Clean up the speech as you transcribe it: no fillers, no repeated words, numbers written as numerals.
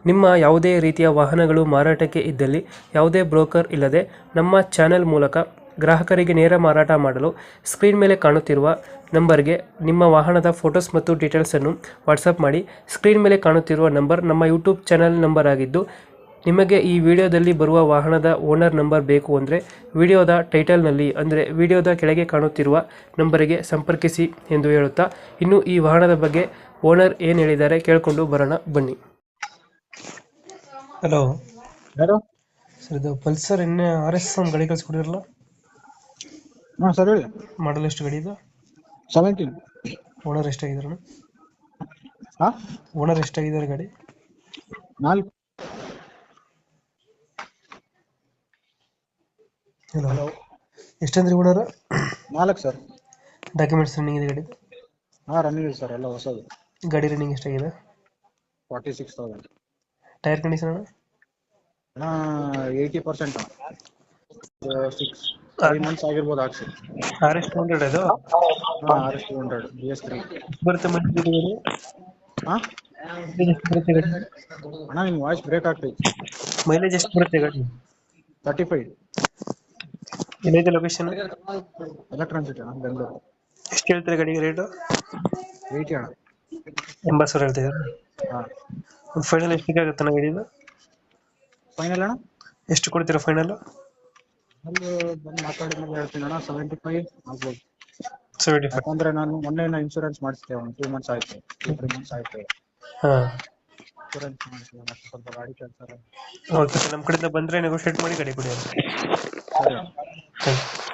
ನಿಮ್ಮ ಯಾವುದೇ ರೀತಿಯ ವಾಹನಗಳು ಮಾರಾಟಕ್ಕೆ ಇದ್ದಲ್ಲಿ ಯಾವುದೇ ಬ್ರೋಕರ್ ಇಲ್ಲದೆ ನಮ್ಮ ಚಾನೆಲ್ ಮೂಲಕ ಗ್ರಾಹಕರಿಗೆ ನೇರ ಮಾರಾಟ ಮಾಡಲು ಸ್ಕ್ರೀನ್ ಮೇಲೆ ಕಾಣುತ್ತಿರುವ ನಂಬರ್ಗೆ ನಿಮ್ಮ ವಾಹನದ ಫೋಟೋಸ್ ಮತ್ತು ಡೀಟೇಲ್ಸನ್ನು ವಾಟ್ಸಪ್ ಮಾಡಿ. ಸ್ಕ್ರೀನ್ ಮೇಲೆ ಕಾಣುತ್ತಿರುವ ನಂಬರ್ ನಮ್ಮ ಯೂಟ್ಯೂಬ್ ಚಾನೆಲ್ ನಂಬರ್ ಆಗಿದ್ದು, ನಿಮಗೆ ಈ ವಿಡಿಯೋದಲ್ಲಿ ಬರುವ ವಾಹನದ ಓನರ್ ನಂಬರ್ ಬೇಕು ಅಂದರೆ ವಿಡಿಯೋದ ಟೈಟಲ್ನಲ್ಲಿ ಅಂದರೆ ವಿಡಿಯೋದ ಕೆಳಗೆ ಕಾಣುತ್ತಿರುವ ನಂಬರಿಗೆ ಸಂಪರ್ಕಿಸಿ ಎಂದು ಹೇಳುತ್ತಾ, ಇನ್ನು ಈ ವಾಹನದ ಬಗ್ಗೆ ಓನರ್ ಏನು ಹೇಳಿದ್ದಾರೆ ಕೇಳಿಕೊಂಡು ಬರೋಣ ಬನ್ನಿ. ಹಲೋ ಯಾರು? ಸರ್, ಇದು ಪಲ್ಸರ್ RS ಒಂದು ಗಾಡಿ ಕಳಿಸ್ಕೊಡಿರಲ್ಲ, ಹಾಂ ಸರ್ ಹೇಳಿ. ಮಾಡಲ್ ಎಷ್ಟು ಗಾಡಿ ಇದು? 17. ಓನರ್ ಎಷ್ಟಾಗಿದ್ದಾರೆ? ಹಾಂ ಓನರ್ ಎಷ್ಟಾಗಿದ್ದಾರೆ ಗಾಡಿ? 4. ಹಲೋ, ಎಷ್ಟಂದ್ರಿ ಓನರ್? 4 ಸರ್. ಡಾಕ್ಯುಮೆಂಟ್ಸ್ ರನ್ನಿಂಗ್ ಇದೆ ಗಾಡಿ? ಹಾಂ ರನ್ನಿಂಗ್ ಇದೆ ಸರ್, ಎಲ್ಲ ಹೊಸದು. ಗಾಡಿ ರನ್ನಿಂಗ್ ಎಷ್ಟಾಗಿದೆ? 46,000. Tyre condition? 80%. 3 months ಆಗಿರ್ಬೋದು ಹಾಕ್ಸಿ. RS 200 ಅದು? ಹಾಂ RS 200 BS3. ಬರುತ್ತೆ ಮೈಲೇಜ್ ಗಾಡಿ? ಹಾಂ ಎಷ್ಟು ಬರುತ್ತೆ ಗಾಡಿ? ಅಣ್ಣ ನಿಮ್ಮ ವಾಯ್ಸ್ ಬ್ರೇಕ್ ಆಗ್ತೈತಿ. ಮೈಲೇಜ್ ಎಷ್ಟು ಬರುತ್ತೆ ಗಾಡಿ? 35. ಎಲ್ಲೈತೆ ಲೊಕೇಶನ್? ಎಲೆಕ್ಟ್ರಾನ್ ಸಿಟಿ ಅಣ್ಣ, ಬೆಂಗಳೂರು. ಎಷ್ಟು ಹೇಳ್ತೀರಾ ಗಾಡಿಗೆ ರೇಟು? 80 ಅಣ್ಣ. 80,000 ಹೇಳ್ತಿದ್ದಾರೆ. ಹಾಂ ಒಂದು ಫೈನಲ್ ಎಷ್ಟಿಗೆ ಆಗುತ್ತೆ ನನ್ನ ಗಾಡಿದು? ಫೈನಲ್ ಅಣ್ಣ? ಎಷ್ಟು ಕೊಡ್ತೀರಾ ಫೈನಲ್? ಅಲ್ಲಿ ಬಂದು ಮಾತಾಡಿದ್ಮೇಲೆ ಹೇಳ್ತೀನಿ ಅಣ್ಣ. 75 ಆಗ್ಬೋದು. 75. ಯಾಕಂದ್ರೆ ನಾನು ಮೊನ್ನೆ ಇನ್ಶೂರೆನ್ಸ್ ಮಾಡಿಸಿದೆ, ಒಂದು 2 months ಆಯ್ತು, 3 months ಆಯ್ತು. ಹಾಂ, ಇನ್ಶೂರೆನ್ಸ್ ಮಾಡಿಸಿದೆ, ಮತ್ತೆ ಸ್ವಲ್ಪ ಗಾಡಿ ಕೆಲಸ. ಓಕೆ, ನಮ್ಮ ಕಡೆಯಿಂದ ಬಂದರೆ ನೆಗೋಷಿಯೇಟ್ ಮಾಡಿ ಗಾಡಿ ಕೊಡಿ. ಸರಿ. Thank you.